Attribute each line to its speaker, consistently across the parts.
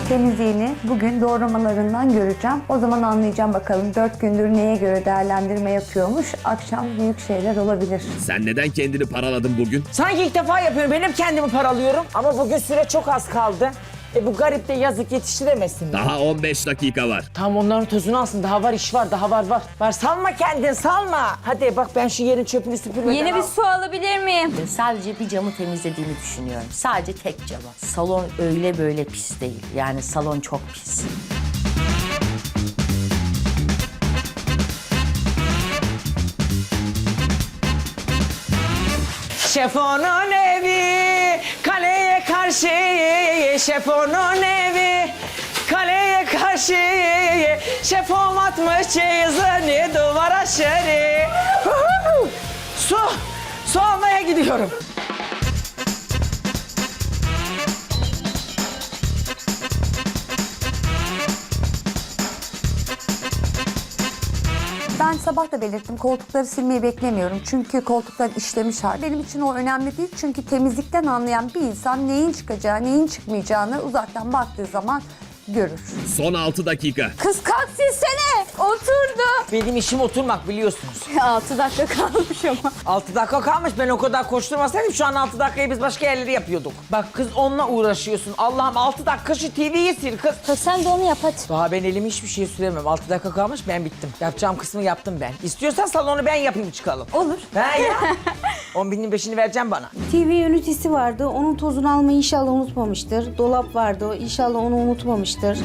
Speaker 1: Temizliğini bugün doğramalarından göreceğim. O zaman anlayacağım bakalım 4 gündür neye göre değerlendirme yapıyormuş. Akşam büyük şeyler olabilir.
Speaker 2: Sen neden kendini paraladın bugün?
Speaker 3: Sanki ilk defa yapıyorum. Ben hep kendimi paralıyorum. Ama bugün süre çok az kaldı. Bu garip de yazık yetiştiremesin.
Speaker 2: Daha 15 dakika var.
Speaker 3: Tam onların tozunu alsın. Daha var, iş var, daha var. Var, salma kendini, salma. Hadi bak ben şu yerin çöpünü süpürmeden
Speaker 4: Yeni bir
Speaker 3: al.
Speaker 4: su alabilir miyim?
Speaker 5: Sadece bir camı temizlediğimi düşünüyorum. Sadece tek camı. Salon öyle böyle pis değil. Yani salon çok pis.
Speaker 3: Şefonun evi, kaleye karşı. Şefonun evi, kaleye karşı. Şefom atmış çeyizini duvar aşırı. Su almaya gidiyorum.
Speaker 1: Ben sabah da belirttim, koltukları silmeyi beklemiyorum. Çünkü koltuklar işlemiş hal. Benim için o önemli değil. Çünkü temizlikten anlayan bir insan neyin çıkacağı, neyin çıkmayacağını uzaktan baktığı zaman görür.
Speaker 2: Son 6 dakika.
Speaker 4: Kız kalk silsene. Oturdu.
Speaker 3: Benim işim oturmak biliyorsunuz.
Speaker 4: 6 dakika kalmış ama.
Speaker 3: 6 dakika kalmış. Ben o kadar koşturmasaydım şu an 6 dakikayı biz başka yerleri yapıyorduk. Bak kız onunla uğraşıyorsun. Allah'ım 6 dakika şu TV'yi sil kız.
Speaker 4: Kız sen de onu yap hadi.
Speaker 3: Daha ben elimi hiçbir şey süremem. 6 dakika kalmış ben bittim. Yapacağım kısmı yaptım ben. İstiyorsan salonu ben yapayım çıkalım.
Speaker 4: Olur.
Speaker 3: He ya. 10.000'in 5'ini vereceğim bana.
Speaker 6: TV ünitesi vardı. Onun tozunu almayı inşallah unutmamıştır. Dolap vardı. İnşallah onu unutmamıştır.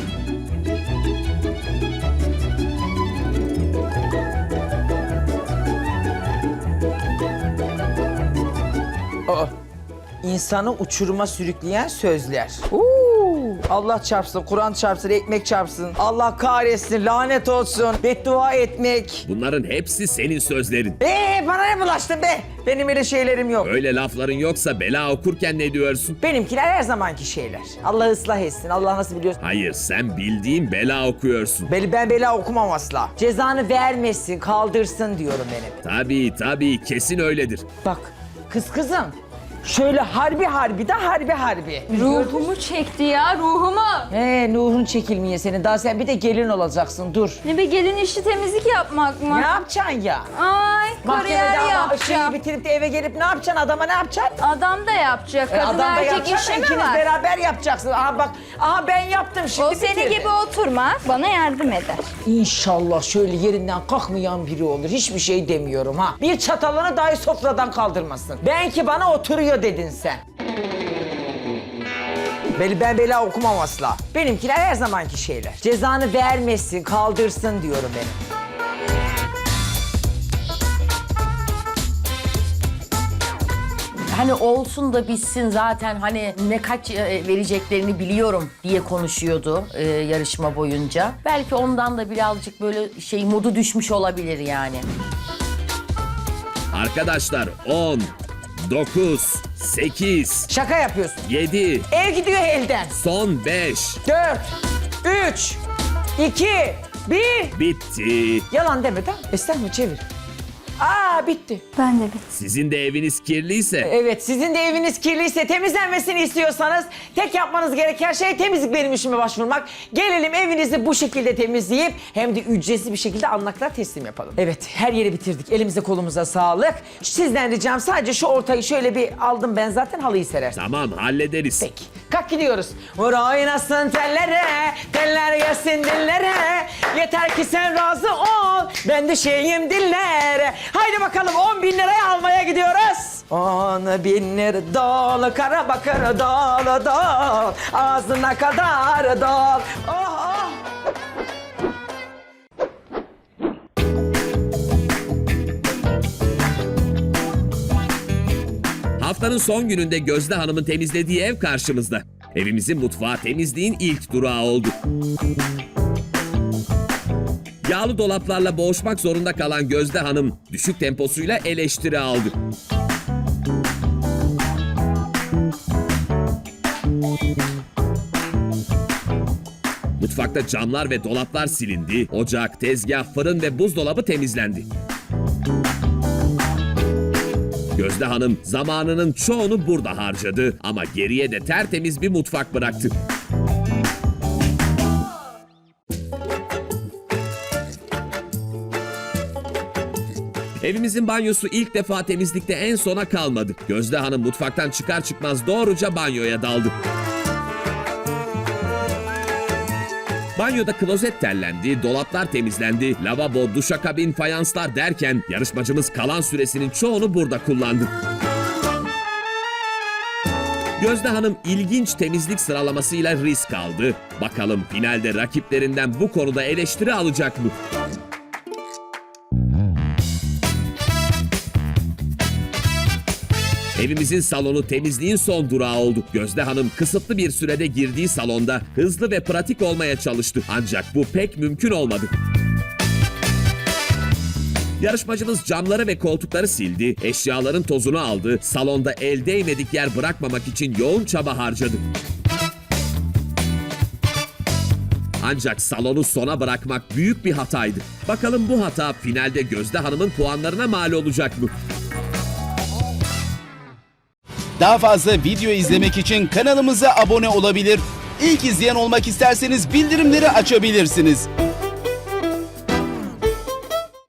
Speaker 3: Aa, insanı uçuruma sürükleyen sözler. Allah çarpsın, Kur'an çarpsın, ekmek çarpsın. Allah kahretsin, lanet olsun, beddua etmek.
Speaker 2: Bunların hepsi senin sözlerin.
Speaker 3: Bana ne bulaştın be? Benim öyle şeylerim yok.
Speaker 2: Öyle lafların yoksa bela okurken ne diyorsun?
Speaker 3: Benimkiler her zamanki şeyler. Allah ıslah etsin, Allah nasıl biliyorsun?
Speaker 2: Hayır, sen bildiğin bela okuyorsun.
Speaker 3: Ben bela okumam asla. Cezanı vermesin, kaldırsın diyorum benim.
Speaker 2: Tabii, kesin öyledir.
Speaker 3: Bak, kızım. Şöyle harbi de.
Speaker 4: Ruhumu çekti ya, ruhumu.
Speaker 3: Nuh'un çekilmeye senin. Daha sen bir de gelin olacaksın, dur.
Speaker 4: Ne be, gelin işi temizlik yapmak mı?
Speaker 3: Ne yapacaksın ya?
Speaker 4: Ay, kariyer
Speaker 3: Mahkemede şeyi
Speaker 4: yapacağım.
Speaker 3: bitirip de eve gelip ne yapacaksın? Adama ne yapacaksın?
Speaker 4: Adam da yapacak. Kadın
Speaker 3: Adam da
Speaker 4: erkek
Speaker 3: yapacak,
Speaker 4: işi mi
Speaker 3: ikiniz
Speaker 4: var?
Speaker 3: beraber yapacaksın. Aha bak, ben yaptım şimdi
Speaker 4: O seni
Speaker 3: bitirdim.
Speaker 4: gibi oturmaz, bana yardım eder.
Speaker 3: İnşallah şöyle yerinden kalkmayan biri olur. Hiçbir şey demiyorum ha. Bir çatalını dahi sofradan kaldırmasın. Belki bana oturuyor dedin sen. Ben bela okumam asla. Benimkiler her zamanki şeyler. Cezanı vermesin, kaldırsın diyorum benim.
Speaker 5: Hani olsun da bitsin zaten hani ne kaç vereceklerini biliyorum diye konuşuyordu yarışma boyunca. Belki ondan da birazcık böyle modu düşmüş olabilir yani.
Speaker 2: Arkadaşlar 10, 9, 8,
Speaker 3: Şaka yapıyorsun.
Speaker 2: 7,
Speaker 3: Ev gidiyor elden.
Speaker 2: son 5.
Speaker 3: 4, 3, 2, 1.
Speaker 2: Bitti.
Speaker 3: Yalan deme tamam. Estağfurullah çevir. Bitti.
Speaker 1: Ben de bir
Speaker 2: Sizin de eviniz kirliyse
Speaker 3: Evet, sizin de eviniz kirliyse, temizlenmesini istiyorsanız tek yapmanız gereken şey temizlik benim işime başvurmak. Gelelim evinizi bu şekilde temizleyip hem de ücretsiz bir şekilde alnaklar teslim yapalım. Evet, her yeri bitirdik. Elimize kolumuza sağlık. Sizden ricam sadece şu ortayı şöyle bir aldım ben zaten halıyı serersin.
Speaker 2: tamam hallederiz.
Speaker 3: Peki. Kalk gidiyoruz. Vur oynasın tellere, teller yesin dillere. Yeter ki sen razı ol, ben düşeyim dillere. Haydi bakalım 10.000 liraya almaya gidiyoruz. 10.000 lira dolu kara bakır dolu ağzına kadar dol. Oh.
Speaker 2: Haftanın son gününde Gözde Hanım'ın temizlediği ev karşımızda. Evimizin mutfağı temizliğin ilk durağı oldu. Yağlı dolaplarla boğuşmak zorunda kalan Gözde Hanım düşük temposuyla eleştiri aldı. Mutfakta camlar ve dolaplar silindi, ocak, tezgah, fırın ve buzdolabı temizlendi. Gözde Hanım zamanının çoğunu burada harcadı ama geriye de tertemiz bir mutfak bıraktı. Evimizin banyosu ilk defa temizlikte en sona kalmadı. Gözde Hanım mutfaktan çıkar çıkmaz doğruca banyoya daldı. Banyoda klozet tellendi, dolaplar temizlendi, lavabo, duşakabin, fayanslar derken yarışmacımız kalan süresinin çoğunu burada kullandı. Gözde Hanım ilginç temizlik sıralamasıyla risk aldı. Bakalım finalde rakiplerinden bu konuda eleştiri alacak mı? Evimizin salonu temizliğin son durağı oldu. Gözde Hanım kısıtlı bir sürede girdiği salonda hızlı ve pratik olmaya çalıştı. Ancak bu pek mümkün olmadı. Yarışmacımız camları ve koltukları sildi, eşyaların tozunu aldı, salonda el değmedik yer bırakmamak için yoğun çaba harcadı. Ancak salonu sona bırakmak büyük bir hataydı. Bakalım bu hata finalde Gözde Hanım'ın puanlarına mal olacak mı?
Speaker 7: Daha fazla video izlemek için kanalımıza abone olabilir. İlk izleyen olmak isterseniz bildirimleri açabilirsiniz.